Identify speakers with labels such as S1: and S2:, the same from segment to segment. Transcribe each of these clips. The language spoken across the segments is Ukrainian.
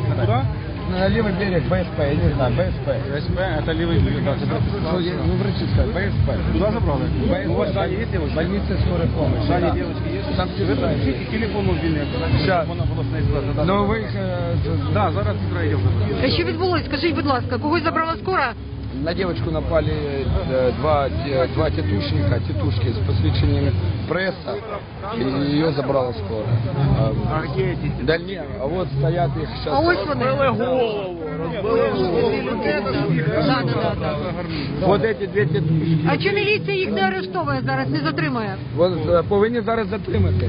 S1: Куда?
S2: На левый берег БСП, я не знаю, БСП.
S1: СП, это левый берег. Да,
S2: Ну, врачи сказали, БСП.
S1: Куда забрали? У вас здание есть девочки?
S2: Больница скорой помощи.
S1: Здание девочки есть?
S2: Там
S1: Ви напишіть телефон мобільний,
S2: Щас.
S1: вона обласна зв'язка.
S2: Ну, ви їх...
S1: Да, зараз зайдемо.
S3: Що відбулось? Скажіть, будь ласка, когось забрала скора?
S2: На девочку напали два тетушки с посвящением пресса, и ее забрала скорая.
S1: А где эти?
S2: Да не, а вот стоят их сейчас.
S3: А ось вони. Да.
S2: Вот эти дві тетушки.
S3: А чи міліція їх не арештовує зараз, не затримує?
S2: Вот повинні зараз затримати.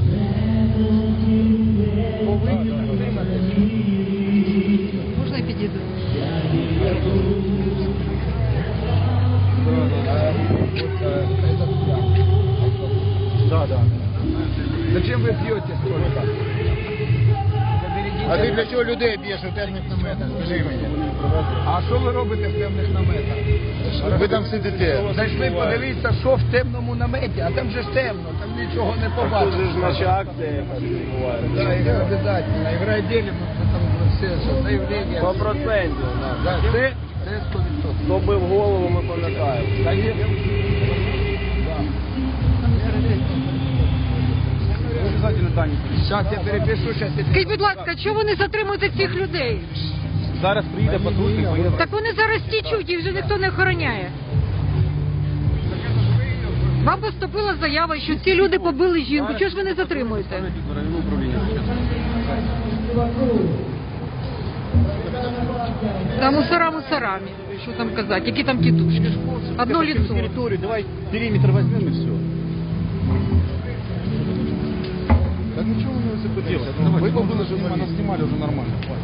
S3: Можна я підійду?
S2: Да. Зачем ви п'єте столько?
S4: А ти для чого людей б'єш у темних наметах? Скажи мені.
S2: А що ви робите в темних наметах?
S4: Ви там сидите.
S2: Зайшли подивитися, що в темному наметі, а там же ж темно, там нічого не побачиш.
S1: акція відбувається.
S2: Да, их обязательно. И в райделе мы там все заявления.
S1: 100%.
S2: Да, це 100%.
S1: Хто бив голову, ми пам'ятаємо.
S2: Да, є.
S1: Обязательно дані.
S2: Сейчас я перепишу, сейчас я
S3: Скажіть, будь ласка, чого ви не затримуєте цих людей?
S1: Зараз приїде патрульник, поїде.
S3: Так вони зараз тічуть, їх вже ніхто не охороняє. Вам поступила заява, що ці люди побили жінку. Чого ж ви не затримуєте?
S1: Районне управління.
S3: Та мусорами. Що там казати? Які там тітушки? Одно лицо.
S1: Территорию, давай периметр возьмем и все. Так ничего мы не делать. Вы побыли, нас снимали уже нормально.